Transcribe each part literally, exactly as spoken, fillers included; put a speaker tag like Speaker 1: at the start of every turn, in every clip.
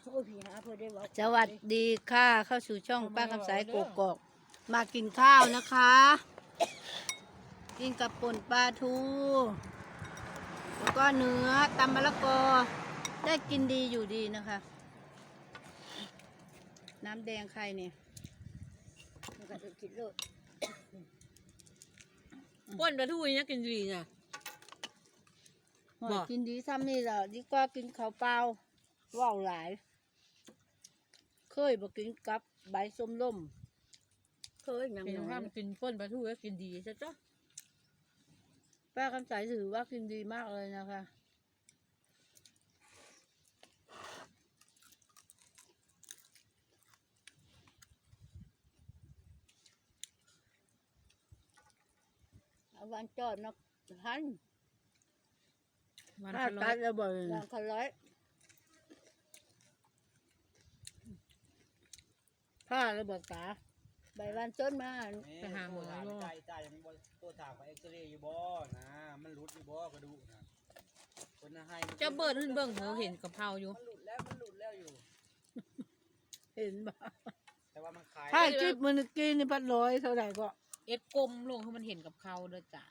Speaker 1: สวัสดีค่ะเข้าสู่ช่องป้าคำสายกกอกมากินข้าวนะคะกินกับป่นปลาทูแล้วก็เนื้อตำมะละกอได้กินดีอยู่ดีนะคะน้ำแดงใครเนี่ยมันก็จะกินเลย
Speaker 2: ป่นปลาทูนี่กินดีนะ
Speaker 1: บอกกินดีซ้ำนี่แหละดีกว่ากินข้าวเปล่าว่าวหลายเคยบอกกินกับใบส้มล่มเคยยัง
Speaker 2: เป็น
Speaker 1: น้
Speaker 2: ข้า
Speaker 1: อ
Speaker 2: วย กินป่นปลาทูก็กินดีใช่จ้ะ
Speaker 1: ป้าคำสายถือว่ากินดีมากเลยนะคะเอาวันจอดนะทัน
Speaker 2: วัน
Speaker 1: ถ้า
Speaker 2: ละร้อ
Speaker 1: ตั
Speaker 2: ย
Speaker 1: ดระเบิดวันคร้อยผ้าระเบิดตาใบวันต้นมา
Speaker 2: ไปหาหมอ
Speaker 3: ถาม
Speaker 2: โล
Speaker 3: ใจใจยังบ่ตัวถามว่าเอ็กซเรย์อยู่บ่นะมันหลุดอยู่บ่กระดูกนะคนน่ะให้
Speaker 2: เจ้าเบิร์ดขึ้นเบิ่งเขาเห็นกับเพราอยู่
Speaker 3: มันหลุดแล้วมันหลุดแล้วอยู่
Speaker 1: เห็นบ่
Speaker 3: แต่ว่ามันคลาย
Speaker 1: ถ้าจิบมันกินนี่พัดร้อยเท่าไหร่ก็
Speaker 2: เอ็ดกลมลงให้มันเห็นกับเขาเด้อจาน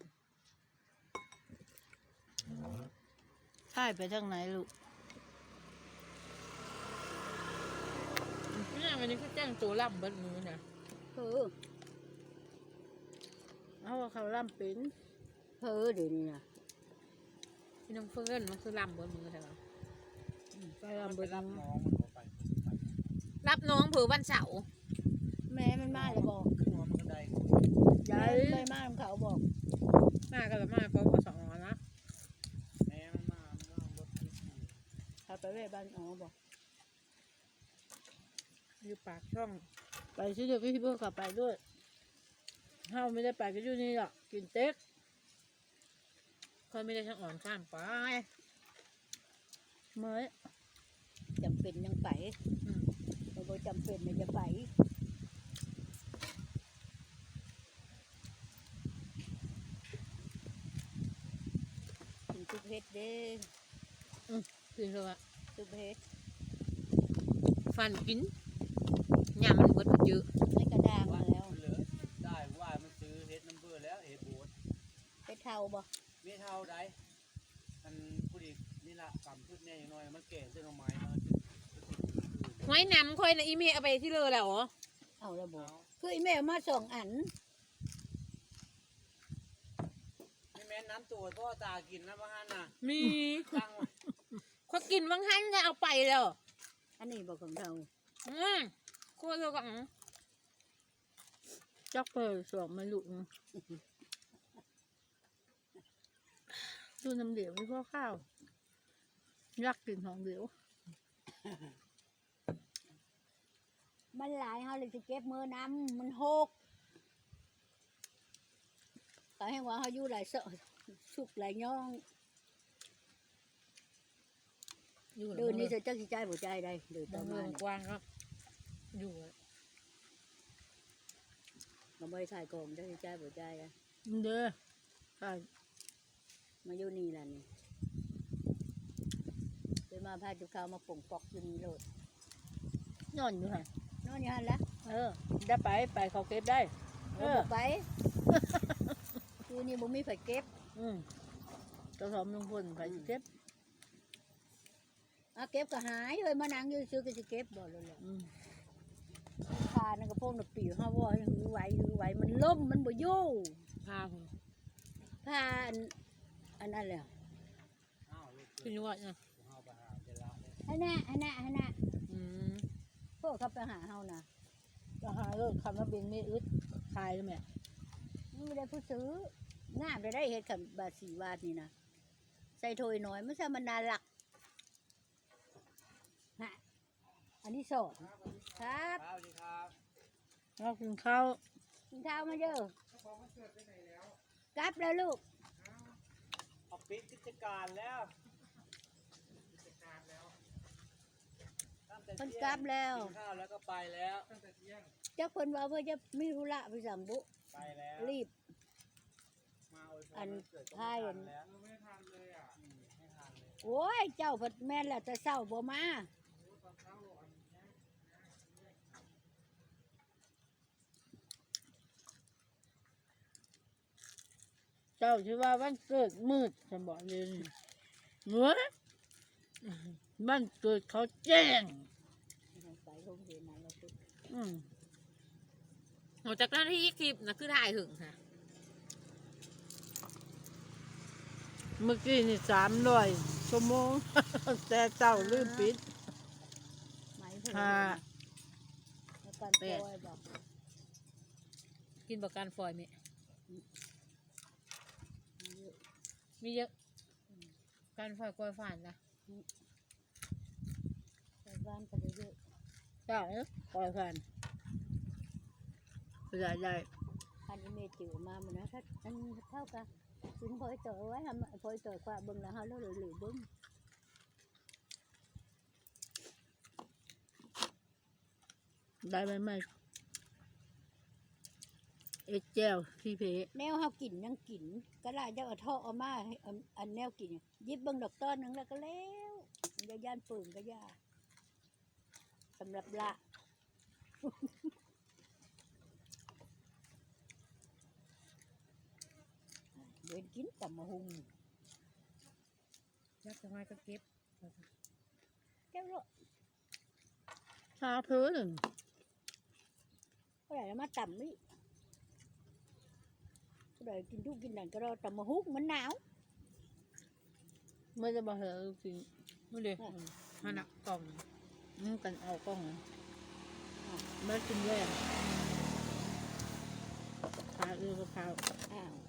Speaker 1: ใช่ไปทางไหนลูก
Speaker 2: นี่วันนี้คือแจ้งตัวล่ำเบิดมือนะ
Speaker 1: เออเอาว่าเขาล่ำเป็นเออเดี๋ยวนี้นะ
Speaker 2: พี่น้องเฟิร์นมันคือล่ำเบิดมือใช่ปะ
Speaker 1: ไป
Speaker 3: มัน
Speaker 1: ลำ
Speaker 3: ไป
Speaker 1: เบิด
Speaker 3: รับน้องมันบ่ไปไป
Speaker 2: รับน้องเผื่อวันเสาร์
Speaker 1: แม่มันมาเลยบอก
Speaker 3: ขึ้นหัวมันก็ได้
Speaker 1: ยายไม่มาเขาบอก
Speaker 2: มากันละมาเพราะว่าสองวันนะ
Speaker 3: แม่มันมามันเอารถที่ขี่
Speaker 1: เขาไปเว้บ้านอ๋อบอก
Speaker 2: อยู่ปากช่อง
Speaker 1: ไปซื้อเดี๋ยวพี่เพื่อนขับไปด้วยเฮาไม่ได้ไปก็อยู่นี่หรอกกินเต็ก
Speaker 2: คนไม่ได้ช่างอ่อนข้ามไป
Speaker 1: เมื่อจำเป็นยังไป
Speaker 2: อืม
Speaker 1: เราบอกจำเป็นไม่จะไปกินทุกเฮ็ดเด้
Speaker 2: คือเธอว่า
Speaker 1: ทุกเฮ็ด
Speaker 2: ฟันกินยามันเบิดมันเยอะ
Speaker 1: ไม่กระด้างมาแล้ว
Speaker 3: เหลือได้ว่ามันซื้อเฮ็ดน้ำเบื่อแล้วเฮ็ดโบด
Speaker 1: เฮ็ดเท่าบ่
Speaker 3: มีเท่าใดอันผู้ดีนี่ล่ะกำพืชแน่อย่างน้อยมันแก่เส้นเอาไม้มา
Speaker 2: ไว้น้ำค่อยนะอีเมลเอาไปที่เลยแล้วเหรอ
Speaker 1: เอาละบ่คืออีแม่เอามาสองอัน
Speaker 3: ไม่แม่นน้ำตัวพ่อตากินนะบ้านน่ะ
Speaker 2: มี
Speaker 3: ตั้งไว้
Speaker 2: เขากินบางท่านจะเอาไปแล้ว
Speaker 1: อันนี้บ่ของเท่า
Speaker 2: อืมโคตรเลยก็อืม
Speaker 1: จักเปิดสองมาลุกดูน้ำเดียวไม่พอข้าวยักกินของเดียวมันหลายเฮาเลยสิเก็บมือน้ำมันหกก็ให้ว่าเฮาอยู่หลายเสาสุกหลายย่อง
Speaker 2: อยู่
Speaker 1: เดินนี่จะจักสิใจบ่ใจได้เดิน
Speaker 2: ต
Speaker 1: ต่อ
Speaker 2: เมื
Speaker 1: มา
Speaker 2: อง
Speaker 1: นี่
Speaker 2: กว้างครับอยู่อะ
Speaker 1: มาบ่ถ่ายกองจักสิใจบ่ใจอ่ะ
Speaker 2: เด้อ
Speaker 1: มาอยู่นี่ล่ะนี่ไปมาพาจุข้าวมาป่งปอกอยู่นี่โลด
Speaker 2: นอนอยู่ค่ะ
Speaker 1: นอนอยู่หั่นละ
Speaker 2: เออได้ไปไปเขาเก็บได้
Speaker 1: เออไป คือนี่บ่มีไผเก็บ
Speaker 2: อืมกระสอบลุงพลไปสิเก็บ
Speaker 1: อ่ะเก็บก็หายเลยมานั่งอยู่ซื้อก็สิเก็บบ่เลยแหละ
Speaker 2: อืม
Speaker 1: พานั่นก็พวกน่ะปีเฮาว่าให้หือไหวหือไหวมันล่มมันบ่อยู่
Speaker 2: พาผม
Speaker 1: พาอันอันนั้นแหละ
Speaker 3: อ้าวลูก
Speaker 2: ขึ้นว่าเนี่ย
Speaker 3: เอาไปหาเวลาเลย
Speaker 1: ให้แน่ให้แน่ให้แน่
Speaker 2: อืม
Speaker 1: พวกเขาไปหาเฮานะ
Speaker 2: ราคาเลิกคำว่าบินไม่อึดขายเลยแม่
Speaker 1: มันไม่ได้ผู้ซื้องามได้ได้เฮ็ดกับบาทสี่บาทนี่นะใส่ถ้วยน้อยมันซะมันน่ารักฮะอันนี้สองครับ
Speaker 3: ครับสวัสดีครับ
Speaker 2: เรากินข้าว
Speaker 1: กินข้าวมาเด้อ กลับแล้วลูก
Speaker 3: เอาปิดกิจการแล้วตั้งแต่
Speaker 1: เพิ่น
Speaker 3: เที่ยง
Speaker 1: กลับแล้ว
Speaker 3: กินข้าวแล้วก็ไปแล้ว
Speaker 1: จักเพิ่นว่าเพิ่นจะมีธุระไปสัมบุ
Speaker 3: ไปแล้ว
Speaker 1: รีบ
Speaker 3: มาอวยพร
Speaker 1: อัน
Speaker 3: วันเกิดก็
Speaker 1: ท้ายอัน
Speaker 3: ไม่ทันแล้วไม่ทันเลยอ่ะอืมไม่ทันเลย
Speaker 1: โอ้ยเจ้าเพิ่นแม่นแล้วแต่เช้าบ่มาเจ้าชื่อว่าวันเกิดมืดฉันบอกเลยเนื้อวันเกิดเขาแจ้งอืม
Speaker 2: หลังจากนั้นที่คลิปนะคือถ่ายถึงค่ะ
Speaker 1: เมื่อกี้นี่สามร้อยชั่วโมง แต่เจ้าลืมปิดห้า
Speaker 2: แปดกินประกันฟอยไหมมีเยอะการฟอยกล้วยฝานนะ
Speaker 1: บ้านก็ได้เยอะเจ้าเนี่ยปล่อยผ่านใหญ่ใหญ่
Speaker 4: อันนี้เมจิ๋วมาเหมือนนะถ้าอันเท่ากันถึงพอยต่อไว้ทำพอยต่อกว่าเบิ่งแล้วเขาเลือหรือเบิ่ง
Speaker 1: ได้ไหมไม่เอ็ดแจ้วพี่เพ
Speaker 4: แนวเขากินยังกินก็ได้จะเอาท่อเอามาให้อันอันแนวกินยิบเบิ่งดอกต้นนึงแล้วก็แล้วยาย่านปืนก็ยาสำหรับละ เดินกินกับมะฮุง
Speaker 2: ยักษ์จะมาก็เก็บ
Speaker 4: แก้วละ
Speaker 1: ชาเพื่อหนึ่ง
Speaker 4: เท่าไหร่แล้วมาต่ำนี่เท่าไหร่กินทุกกินนั่นก็รอแต่มะฮุงมันหนาว
Speaker 1: ไม่จะมาเหอะจริง
Speaker 2: ไม่เลยหันอ่ะกล่อง
Speaker 1: นี่กันเอากล้องไม่กินแย่ขาเอือกับข้าว
Speaker 4: อ้าว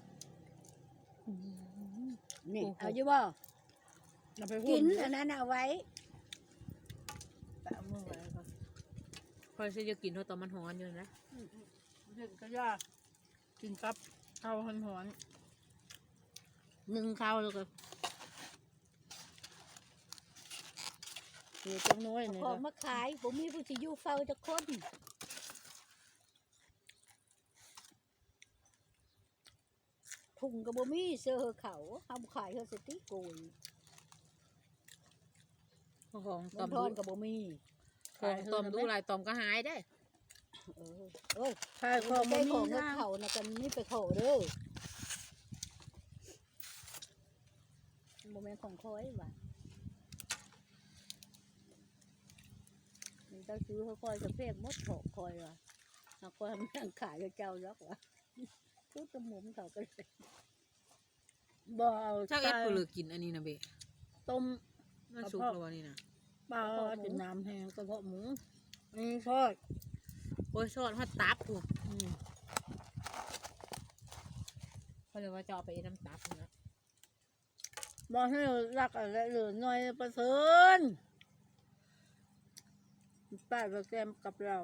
Speaker 4: นี่เอาอยู่บ่
Speaker 1: เราไปพู
Speaker 4: กิ
Speaker 1: ด
Speaker 4: นอันนั้นเอาไว้
Speaker 1: แต่เอามือไว้ก่อน
Speaker 2: พอจะกินเท่าตอนมันหอนอยู่นะ
Speaker 1: เด็กก็ยากกินกับข้าวหอนๆนึ่งข้าวแล้วก็เดี๋ยวจังน้อยเนี่ย
Speaker 4: พอมาขายผมมีผู้ที่อยู่เฝ้าจะคนถุงกับบ่มีเสื้อเขาทำขายเขาสติโกย
Speaker 2: ของต
Speaker 4: มั
Speaker 2: อน ม
Speaker 4: ท
Speaker 2: ดู
Speaker 4: อนกับบ่มี
Speaker 2: ของตอมดูลายตอมก็หายได้
Speaker 4: เออเอ้ย
Speaker 1: ขายของ
Speaker 4: ได้
Speaker 1: บ่มี
Speaker 4: ของกับ
Speaker 1: นะ
Speaker 4: เขานะกันนี่ไปเขาเด้อโมเมนต์ของคอยว่ะมันเจ้าซื้อเขาคอยจะเพียกมดถกคอยว่ะเอาคอยมันนั่งขายกับเจ้าล็อกว่ะซื้อตะหมุมเขาก็เลย
Speaker 1: บ่เอา
Speaker 2: เจ้าเอ็ด
Speaker 1: ใส่
Speaker 2: กูเลยกินอันนี้นะเบะ
Speaker 1: ต้ม
Speaker 2: มันสุกแล้ววันนี้นะ
Speaker 1: ปลาจุ่มน้ำแห้งกระเพาะหมูอันนี้ทอด
Speaker 2: โอ้ยซอสฮัตตับกู
Speaker 1: อืม
Speaker 2: เขาเลยว่าจะเอาไปน้ำตับนะ
Speaker 1: บอกให้เรารักอะไรเหลือหน่อยประเสริญป้าโปรแกรมกับเรา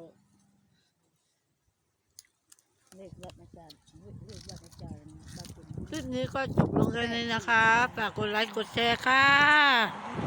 Speaker 4: เรียกรับอาจารย์เรียกรับอาจารย์บางคน
Speaker 1: คลิปนี้ก็จบลงแค่นี้นะคะ ฝากกดไลค์กดแชร์ค่ะ